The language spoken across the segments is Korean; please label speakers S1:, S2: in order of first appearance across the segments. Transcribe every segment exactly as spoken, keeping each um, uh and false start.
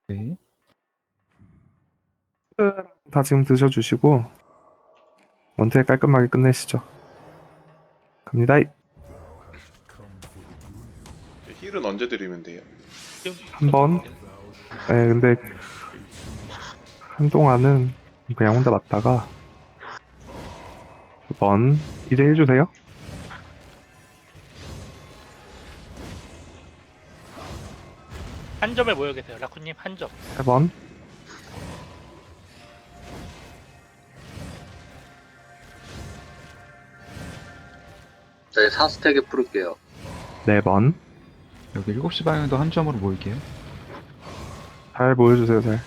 S1: 네.
S2: 다 지금 드셔주시고 원태 깔끔하게 끝내시죠. 갑니다.
S3: 힐은 언제 드리면 돼요?
S2: 한 번. 네, 근데 한동안은 그냥 혼자 맞다가 두 번. 이제 해주세요.
S4: 한 점에 모여 계세요. 라쿠님 한 점.
S2: 세 번.
S5: 저희 사 스택에 풀을게요.
S2: 네 번.
S1: 여기 일곱 시 방향도 한 점으로 모일게요.
S2: 잘 보여주세요, 잘.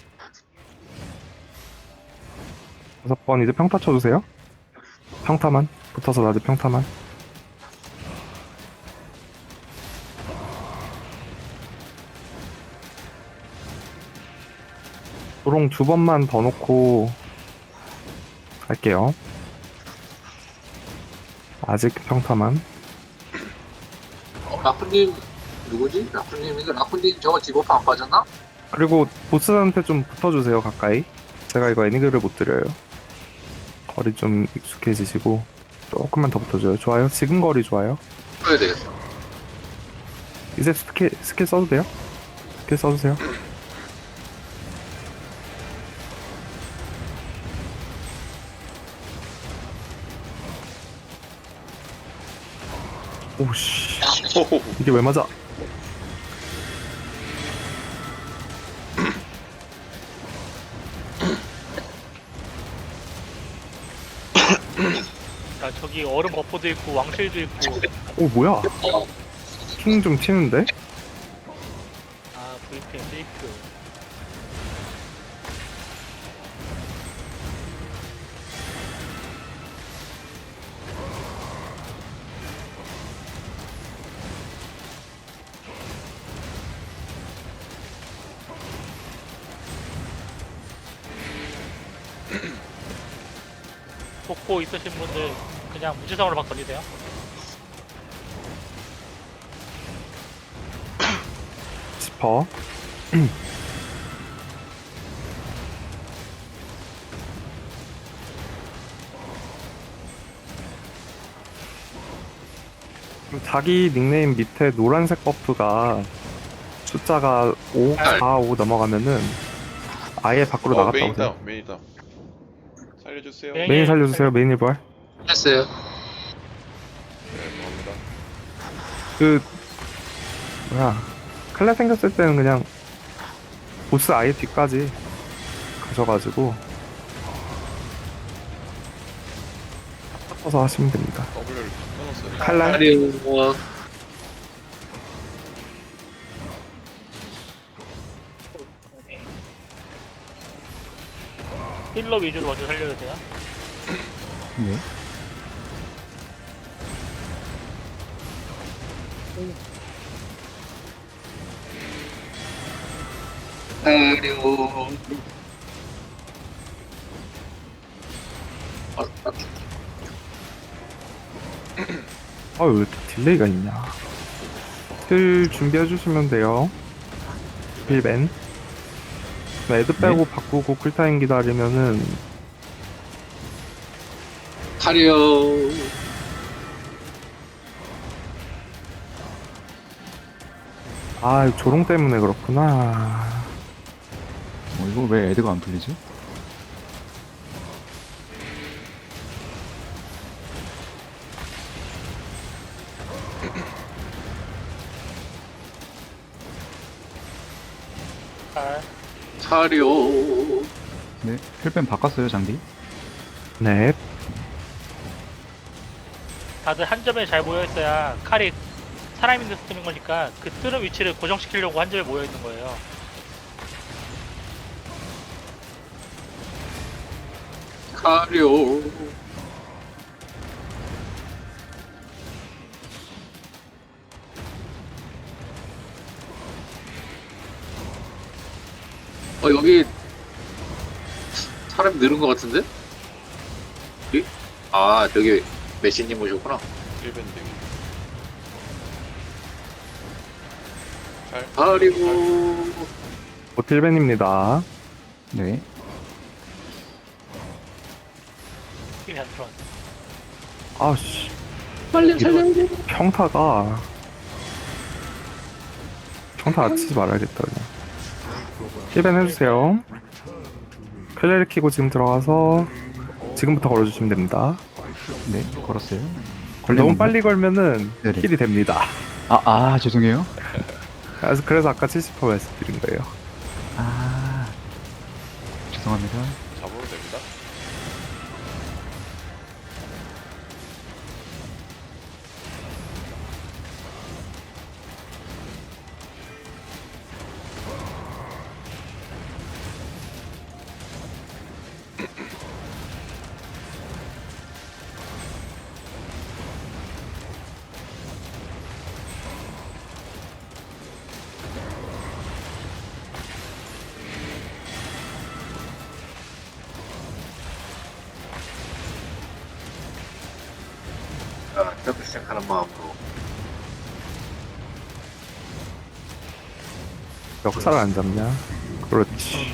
S2: 다섯 번. 이제 평타 쳐주세요. 평타만. 붙어서 낮에 평타만. 도롱 두 번만 더 놓고 갈게요. 아직 평타만.
S5: 어, 라쿠님 누구지? 라쿠님 이거 라쿠님 저거 디버프 안 빠졌나?
S2: 그리고 보스한테 좀 붙어주세요, 가까이. 제가 이거 애니그를 못 드려요. 거리 좀 익숙해지시고 조금만 더 붙어줘요. 좋아요. 지금 거리 좋아요.
S5: 풀어야 되겠어.
S2: 이제 스킬, 스킬 써도 돼요? 스킬 써주세요. 오씨,
S3: 호호.
S2: 이게 왜 맞아?
S4: 자, 저기 얼음 버퍼도 있고 왕실도 있고.
S2: 오, 뭐야? 킹 좀 튀는데?
S4: 아, 브이피엔 페이크. 복고 있으신 분들 그냥 무지성으로 막 던지세요.
S2: 지퍼. 자기 닉네임 밑에 노란색 버프가 숫자가 오, 사, 오 넘어가면은 아예 밖으로
S3: 어,
S2: 나갔다고
S3: 메인이다,
S2: 생각.
S3: 메인이다. 살려주세요.
S4: 메인.
S3: 네,
S2: 메인 살려주세요. 메인 일발.
S5: 했어요.
S3: 감사합니다.
S2: 그 뭐야, 칼날 생겼을 때는 그냥 보스 아예 뒤까지 가셔가지고 섞어서 하시면 됩니다.
S3: W를 끊었어요.
S2: 칼날.
S5: 아리오
S4: 힐러 위주로 먼저 살려주세요.
S1: 네.
S5: 아리오. 아, 아,
S2: 아, 왜 이렇게 딜레이가 있냐. 힐 준비해주시면 돼요. 힐벤. 애드 빼고 바꾸고 쿨타임 기다리면은
S5: 아리오.
S2: 아, 조롱 때문에 그렇구나.
S1: 어, 이거 왜 애드가 안 풀리지?
S4: 잘.
S5: 아리오.
S1: 네. 힐뱀 바꿨어요, 장비.
S2: 네.
S4: 다들 한 점에 잘 모여 있어야 칼이 사람 있는 데 쓰는 거니까 그 뜨는 위치를 고정시키려고 한 점에 모여 있는 거예요.
S5: 아리오. 어 여기 사람이 늘은 것 같은데? 이? 아 저기 메시님 오셨구나.
S3: 일 밴딩. 잘.
S5: 아리오.
S2: 곧 힐벤입니다.
S1: 네.
S4: 힘이 안 들어왔네.
S2: 아씨,
S5: 빨리 살려야 돼.
S2: 평타가 평타 안 치지 말아야겠다 그냥. 힐벤 해주세요. 클레리 키고 지금 들어가서 지금부터 걸어주시면 됩니다.
S1: 네, 걸었어요.
S2: 너무
S1: 걸리면
S2: 빨리 걸면은
S1: 네네.
S2: 힐이 됩니다.
S1: 아, 아, 죄송해요.
S2: 그래서, 그래서 아까 칠십 퍼센트 말씀드린 거예요.
S1: 아, 죄송합니다.
S3: 잡으면 됩니다.
S5: 자, 이렇게 시작하는 마음으로.
S2: 역사를 안 잡냐? 그렇지.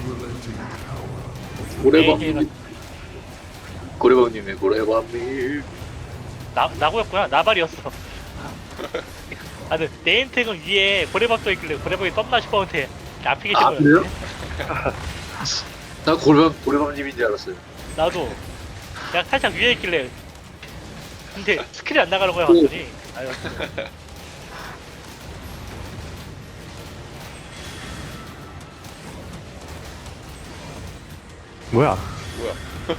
S5: 고래밤님. 고래밤님의 고래밤님.
S4: 나 나고였구나. 나발이었어. 아, 근데 네임택은 위에 고래밥 써 있길래 고래밥이 떴나 싶었는데 앞에
S5: 아,
S4: 계신
S5: 그래요?
S4: 거였네.
S5: 나 고래밤, 고래밤님인 줄 알았어요.
S4: 나도 내가 살짝 위에 있길래 근데 스킬이 안 나가는 거야 완전히. 아유,
S2: 뭐야?
S3: 뭐야?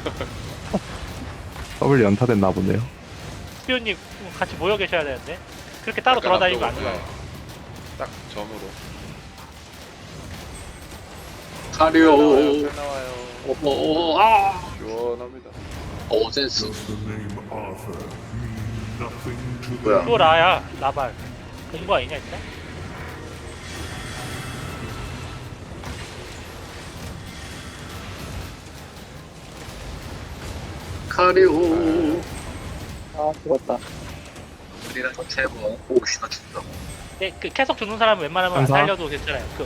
S2: 더블 연타됐나 보네요.
S4: 스피오님 같이 모여 계셔야 되는데 그렇게 따로
S3: 약간
S4: 돌아다니면 안
S3: 앞쪽으로,
S4: 돼요.
S3: 네. 딱 점으로.
S5: 가려.
S3: 나와요. 잘 나와요.
S5: 어, 어, 어, 아.
S3: 시원합니다.
S5: 어, 센스. 뭐야?
S4: 또 라야 라발 공부 아니냐 진짜?
S5: 가려. 아, 죽었다. 우리랑 세번 오시나 죽다.
S4: 네, 그 계속 죽는 사람은 웬만하면 안
S2: 감사.
S4: 살려도 괜찮아요. 그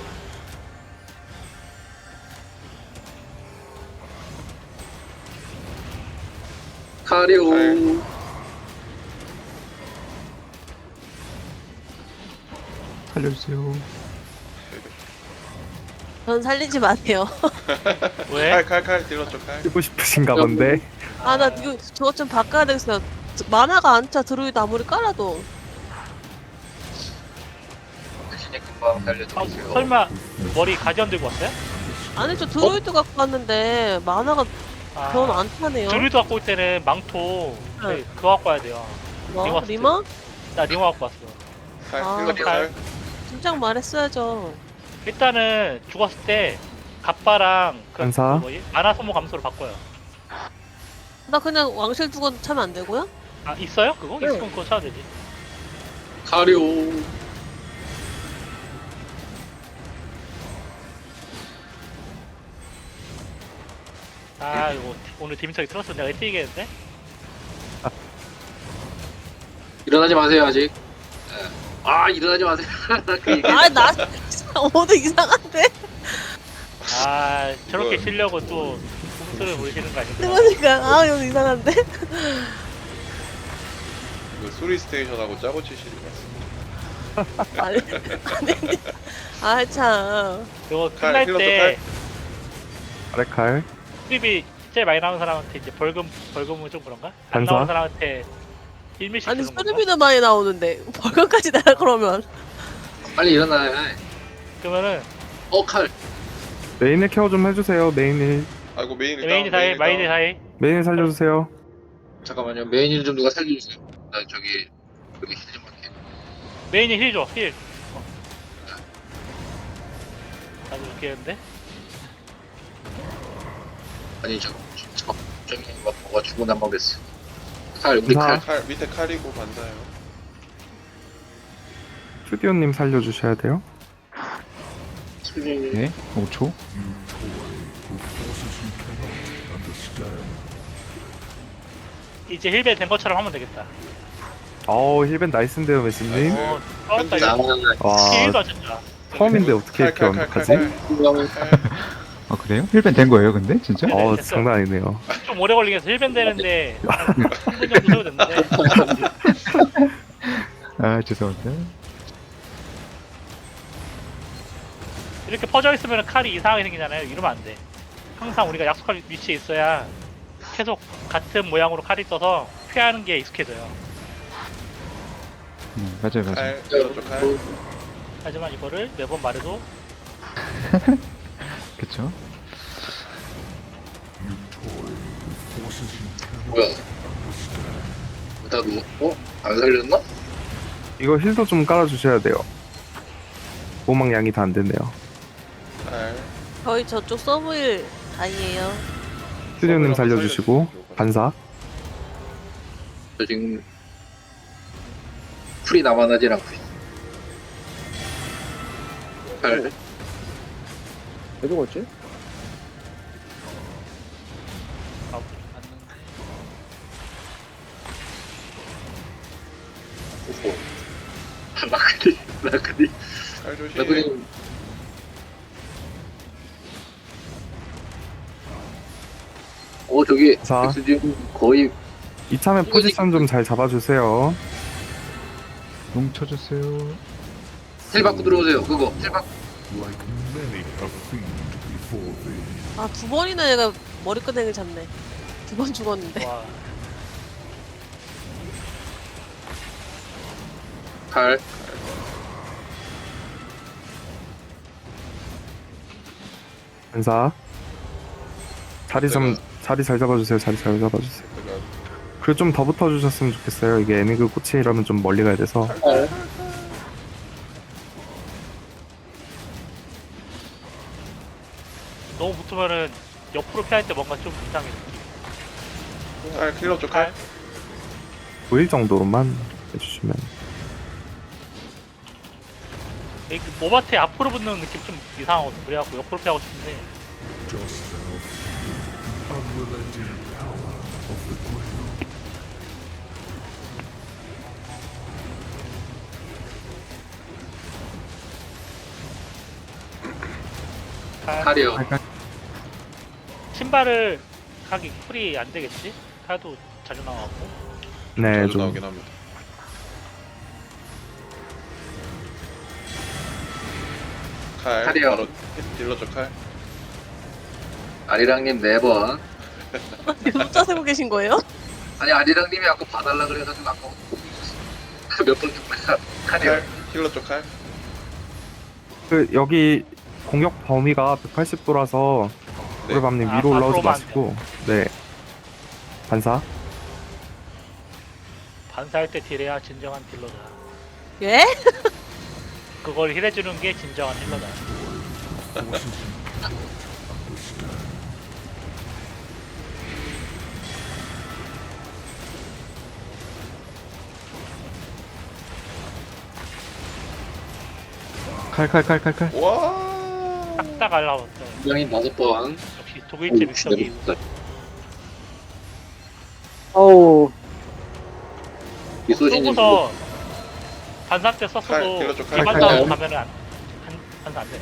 S5: 가려.
S3: 갈.
S1: 살려주세요.
S6: 전 살리지 마세요.
S4: 왜?
S3: 칼, 칼, 칼 들었죠, 칼.
S2: 쓰고 싶으신가 본데.
S6: 아, 나 이거 저것 좀 바꿔야 되겠어요. 만화가 안 차, 드루이드 아무리 깔아도.
S5: 대신에 금방
S4: 아,
S5: 살려드릴게요.
S4: 설마 머리 가디언 들고 왔어요?
S6: 아니, 저 드루이드 갖고 왔는데, 만화가
S4: 아,
S6: 전 안 차네요.
S4: 드루이드 갖고 올 때는 망토
S6: 네.
S4: 네, 그거 갖고 와야 돼요.
S6: 뭐?
S4: 리머
S6: 리머?
S4: 나 리모 갖고 왔어.
S3: 칼,
S6: 아,
S3: 들었죠,
S4: 칼.
S3: 칼.
S6: 진작 말했어야죠.
S4: 일단은 죽었을 때 갑바랑 그,
S2: 감사.
S4: 그 뭐지? 만화 소모 감소로 바꿔요.
S6: 나 그냥 왕실 두건 차면 안 되고요?
S4: 아 있어요? 그거?
S6: 네.
S4: 있으면 그거 쳐야 되지.
S5: 가려.
S4: 아 이거 오늘 디미터기 틀었으면 내가 뛰겠는데?
S5: 일어나지 마세요, 아직. 예. 아, 일어나지 마세요. 그 얘기.
S6: 아, 나, 오도 이상한데?
S4: 아 저렇게
S3: 뭐.
S4: 쉬려고 또 공수를 부리시는 거 아니구나.
S6: 그러니까, 아, 이거 이상한데?
S3: 그 수리 스테이션하고 짜고 치시는 것 같습니다.
S6: 아니, 아니, 아, 참.
S4: 이거
S3: 칼,
S4: 끝날
S3: 힐러도
S4: 때
S2: 아래 칼.
S4: 수입이 제일 많이 나오는 사람한테 이제 벌금 벌금은 좀 그런가? 안
S2: 반사?
S4: 나오는 사람한테 일 밀씩
S6: 아니,
S4: 주는 건가?
S6: 수리비도 많이 나오는데, 벌금까지 나라 그러면.
S5: 빨리 일어나야 해.
S4: 그러면은
S5: 어, 칼.
S2: 메인을 케어 좀 해주세요. 메인을.
S3: 아이고, 메인 일단.
S4: 메인이 다해
S3: 메인
S4: 마인이
S3: 일단.
S4: 다해.
S2: 메인을 살려주세요.
S5: 잠깐만요. 메인일 좀 누가 살려주세요. 나 저기, 여기 힐좀 할게.
S4: 메인이 힐 줘, 힐. 나도 죽겠는데?
S5: 아니, 저, 저, 저기, 막, 뭐가 죽고 남아겠어. 칼, 우리
S2: 감사.
S5: 칼.
S3: 칼, 밑에 칼이고 반사요.
S2: 스튜디오님 살려주셔야 돼요.
S5: 수준이.
S1: 네, 오 초.
S4: 이제 힐벨 된 것처럼 하면 되겠다.
S2: 어우 힐벤 나이스인데요 메시님.
S4: 어, 쩔었다
S5: 나,
S4: 이거.
S2: 와
S4: 힐도 안 쳤다.
S2: 처음인데 어떻게 이렇게
S3: 칼, 칼,
S2: 완벽하지?
S3: 칼, 칼, 칼.
S1: 아, 그래요? 힐밴 된 거예요, 근데? 진짜?
S4: 네.
S2: 어
S4: 됐어요.
S2: 장난 아니네요.
S4: 좀 오래 걸리겠어. 힐밴 되는데 한 삼 분 정도 소요됐는데.
S1: 아, 죄송합니다.
S4: 이렇게 퍼져 있으면 칼이 이상하게 생기잖아요. 이러면 안 돼. 항상 우리가 약속한 위치에 있어야 계속 같은 모양으로 칼이 떠서 피하는 게 익숙해져요.
S1: 음, 맞아요, 맞아요.
S3: 칼, 힐러 쪽 칼.
S4: 하지만 이거를 매번 말해도
S1: 그쵸?
S5: 뭐야? 나 누, 어? 안 살렸나?
S2: 이거 힐도 좀 깔아주셔야 돼요. 보막 양이 다 안 됐네요.
S3: 칼.
S6: 거의 저쪽 서브일 다이에요.
S2: 스튜디오님 살려주시고 반사.
S5: 저 지금 풀이 남아나질 않고 있어. 팔.
S7: 왜 죽었지?
S4: 아, 맞는데.
S5: 오호. 라크리, 라크리,
S3: 칼 조심.
S5: 라크리. 어, 저기,
S2: 자.
S5: 엑스디움 거의
S2: 이참에 포지션 좀 잘 잡아주세요.
S1: 용 쳐주세요.
S5: 텔 받고 들어오세요. 그거, 텔 받고.
S6: 아, 두 번이나 얘가 머리끄댕이를 잡네. 두 번 죽었는데.
S4: 와,
S5: 칼.
S2: 반사. 자리 좀
S3: 내가-
S2: 자리 잘 잡아주세요. 자리 잘 잡아주세요.
S3: 제가
S2: 그리고 좀 더 붙어주셨으면 좋겠어요. 이게 애니그 꽃이라면 좀 멀리 가야 돼서.
S5: 칼.
S4: 너무 붙으면은 옆으로 피할 때 뭔가 좀 이상해.
S3: 칼, 힐러 쪽 칼.
S2: 보일 정도로만 해주시면.
S4: 이 모바테 앞으로 붙는 느낌 좀 이상하거든. 그래갖고 옆으로 피하고 싶은데. 칼.
S5: 칼이요.
S4: 신발을 하기 쿨이 안 되겠지? 칼도 자주 나와갖고.
S2: 네,
S3: 자주
S2: 좀
S3: 나오긴 합니다. 칼.
S5: 칼이요.
S3: 바로 힐러 쪽 칼.
S5: 아리랑님 네 번.
S6: 혼자 세고 계신 거예요?
S5: 아니, 아리랑님이 아까 봐달라 그래가지고 아까 보고 있었어. 몇번 죽고요. 칼이요.
S3: 칼. 힐러 쪽 칼.
S2: 그 여기 공격 범위가 백팔십 도라서
S3: 네.
S2: 우리밤님
S4: 아,
S2: 위로 올라오지
S4: 앞으로만
S2: 마시고. 네. 반사.
S4: 반사할 때 딜해야 진정한 딜러다.
S6: 예?
S4: 그걸 힐해주는 게 진정한 딜러다.
S1: 칼, 칼, 칼, 칼, 칼.
S3: 와.
S4: 딱딱 알라웠어.
S5: 분명히 다섯 번.
S4: 역시 독일제 믹서기.
S7: 어우,
S5: 이소진님
S4: 쏘고서 반사 때
S3: 칼,
S4: 썼어도
S3: 딜러 쪽 칼,
S4: 일반사로
S5: 칼.
S4: 가면은 안, 반- 반사 안 되네.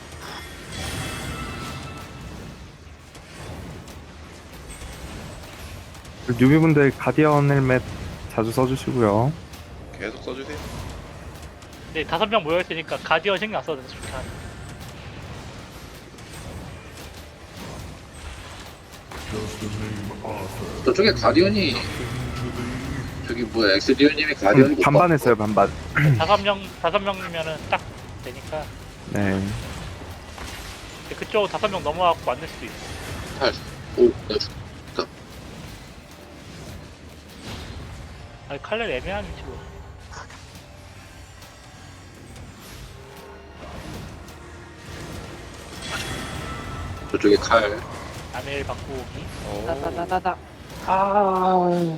S2: 그 뉴비분들 가디언 헬멧 자주 써주시고요.
S3: 계속 써주세요.
S4: 근데 다섯 명 모여있으니까 가디언 신경 안 써도 돼서 좋긴 하네.
S5: 저쪽에 가디언이 저기 뭐야 엑스디오님이 가디언이 못
S2: 반반 했어요, 반반.
S4: 다섯 명, 다섯 명이면은 딱 되니까.
S2: 네.
S4: 근데 그쪽 다섯 명 넘어갖고 안 될 수도 있어.
S5: 팔. 오, 나 죽.
S4: 아니, 칼날 애매한 위치로.
S5: 저쪽에 칼.
S4: 아멜 바꾸기.
S3: 오.
S7: 나나나나나. 아.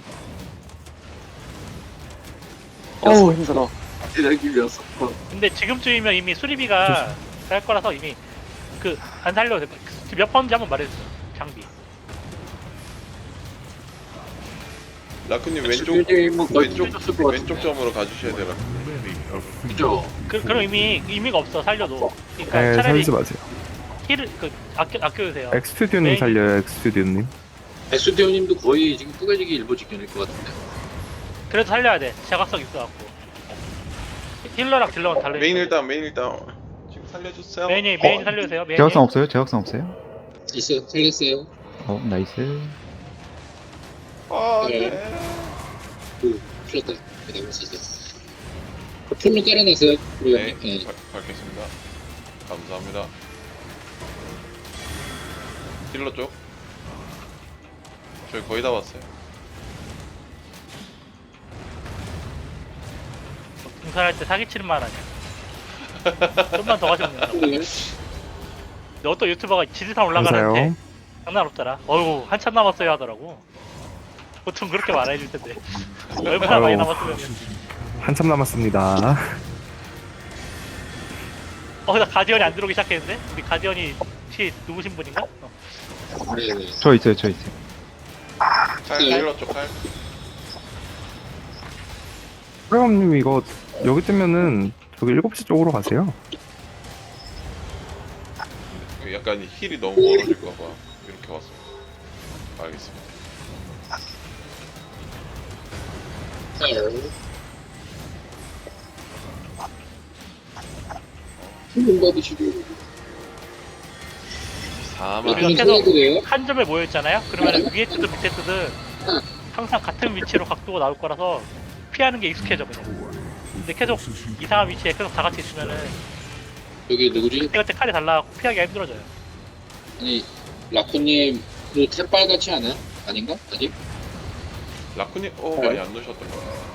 S7: 어우, 힘들어.
S5: 아리랑님이었어.
S4: 근데 지금쯤이면 이미 수리비가 쌀 거라서 이미 그 안 살려도 돼. 몇 번인지 한번 말해주세요. 장비.
S3: 라쿠님 왼쪽
S5: 엑스디오님은 거의
S3: 왼쪽
S5: 왼쪽 쓸것 같은데.
S3: 왼쪽 점으로 가주셔야 돼요. 라쿠님.
S5: 그죠?
S4: 그, 그런 의미 의미가 없어 살려도. 그러니까
S2: 네,
S4: 차라리
S2: 살지 마세요.
S4: 힐을 그 아껴 아껴주세요.
S2: 엑스튜디오님
S4: 메인-
S2: 살려요, 엑스튜디오님.
S5: 엑스디오님도 거의 지금 뿌개지기 일보 직전일 것 같은데.
S4: 그래도 살려야 돼. 자각성 있어갖고. 힐러랑 딜러는 달라.
S3: 메인 일단 메인 일단 지금 살려주세요.
S4: 메인이 메인 살려주세요. 메인.
S1: 제약성 없어요? 제약성 없어요?
S5: 있어요. 살렸어요.
S1: 어, 나이스.
S3: 아,
S5: 네.
S3: 네.
S5: 그, 풀렸다. 그 나무 있어. 그 풀로 깔아놨어요.
S3: 네,
S5: 우리 네.
S3: 발- 밝겠습니다. 감사합니다. 딜러 쪽. 저희 거의 다 왔어요.
S4: 등산할 때 사기치는 말 아니야. 좀만 더 가시면 된다고.
S5: 풀로요?
S4: 근데 어떤 유튜버가 지지산 올라가는데
S2: 감사해요.
S4: 장난 없더라. 어이구 한참 남았어요 하더라고. 보통 그렇게 말해줄 텐데 얼마나 많이
S2: 아유.
S4: 남았으면.
S2: 한참 남았습니다.
S4: 어, 나 가디언이 안 들어오기 시작했는데? 우리 가디언이 혹시 누구신 분인가? 어.
S5: 네, 네.
S1: 저 있어요, 저 있어요.
S3: 칼
S5: 네.
S3: 딜러 쪽 칼.
S2: 프레엄님 이거 여기 뜨면은 저기 일곱 시 쪽으로 가세요.
S3: 약간 힐이 너무 멀어질까봐 이렇게 왔습니다. 알겠습니다.
S5: 힐링 받으시고.
S3: 사만.
S4: 우리가
S5: 힐링
S4: 계속
S5: 살려드려요?
S4: 한 점에 모여있잖아요? 그러면 위에 뜨든 밑에 뜨든 항상 같은 위치로 각도가 나올 거라서 피하는 게 익숙해져 그냥. 근데 계속 이상한 위치에 계속 다 같이 있으면은
S5: 여기 누구지?
S4: 그때 칼이 달라갖고 피하기가 힘들어져요.
S5: 아니, 라코님, 그 탭발 같지 않아요? 아닌가? 아직?
S3: 라쿠님, 어
S5: 네.
S3: 많이 안 넣으셨던 것 같아요.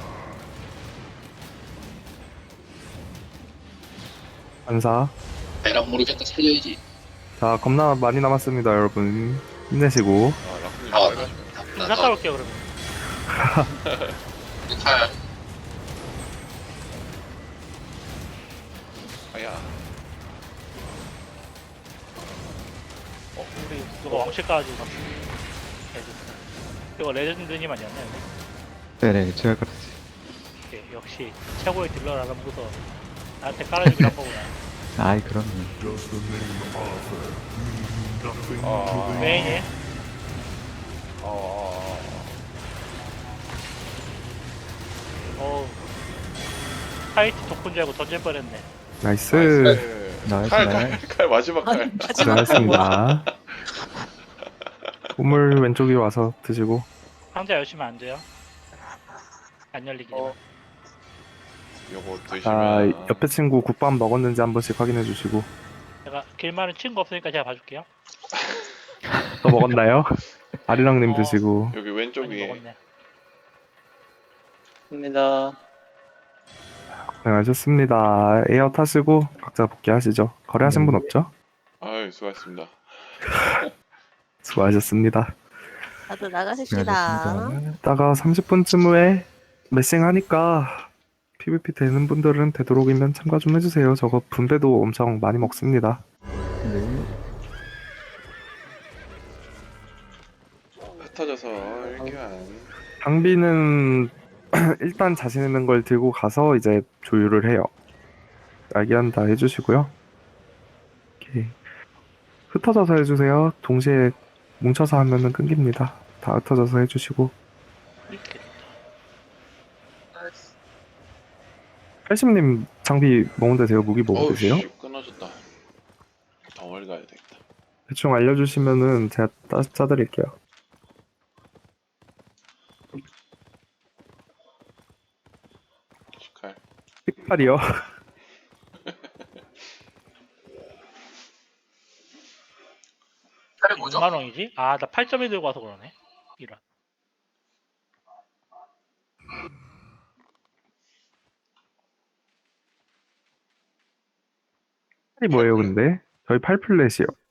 S2: 반사.
S5: 에랑 모르겠다. 살려야지.
S2: 자, 겁나 많이 남았습니다, 여러분. 힘내시고.
S3: 아 라쿠님
S5: 아,
S3: 빨리 가시면.
S4: 좀 갔다 올게요 그러면.
S5: 칼.
S3: 아야.
S4: 어, 우리 누가 왕실 까가지고 막 해줬어. 이거 레전드님 아니었나요?
S1: 네네, 제가 그랬어요.
S4: 예, 역시 최고의 딜러라는 무서 나한테 깔아주기로 한 거구나.
S1: 아이, 그럼요.
S3: 아.
S4: 메인이
S3: 어.
S4: 어 타이트 덕분 줄 알고 던질 뻔했네.
S2: 나이스.
S1: 나이스,
S3: 칼,
S1: 나이스.
S3: 칼, 칼 마지막 칼.
S2: 잘했습니다. 우물 왼쪽 위로 와서 드시고.
S4: 상자 열시면 안 돼요. 안 열리기만.
S3: 요거
S2: 자,
S3: 드시면.
S2: 옆에 친구 국밥 먹었는지 한 번씩 확인해 주시고.
S4: 제가 길만은 친구 없으니까 제가 봐줄게요.
S2: 또 먹었나요? 아리랑님
S4: 어.
S2: 드시고.
S3: 여기 왼쪽
S4: 많이
S3: 위에.
S4: 먹었네.
S7: 입니다.
S2: 고생하셨습니다. 에어 타시고 각자 복귀하시죠. 거래하신 분 없죠?
S3: 아유 수고하셨습니다.
S2: 수고하셨습니다.
S6: 다들 나가십시다.
S1: 수고하셨습니다.
S2: 이따가 삼십 분쯤 후에 메싱 하니까 피브이피 되는 분들은 되도록이면 참가 좀 해주세요. 저거 분배도 엄청 많이 먹습니다.
S1: 네.
S3: 흩어져서 일교환.
S2: 장비는 일단 자신 있는 걸 들고 가서 이제 조율을 해요. 야기한 다 해주시고요. 오케이. 흩어져서 해주세요. 동시에 뭉쳐서 하면은 끊깁니다. 다 흩어져서 해주시고.
S4: 이렇게.
S2: 팔십님 장비 먹으면 되세요? 무기 먹으면
S3: 어우
S2: 되세요?
S3: 씨 끊어졌다. 더 멀리 가야 되겠다.
S2: 대충 알려주시면은 제가 따, 짜드릴게요.
S3: 칼.
S2: 픽팔이요?
S5: 칼이 뭐죠?
S4: 몇만 원이지? 아, 나 팔 점이 들고 와서 그러네. 이런.
S2: 팔이 뭐예요 근데? 저희 팔 플랫이요.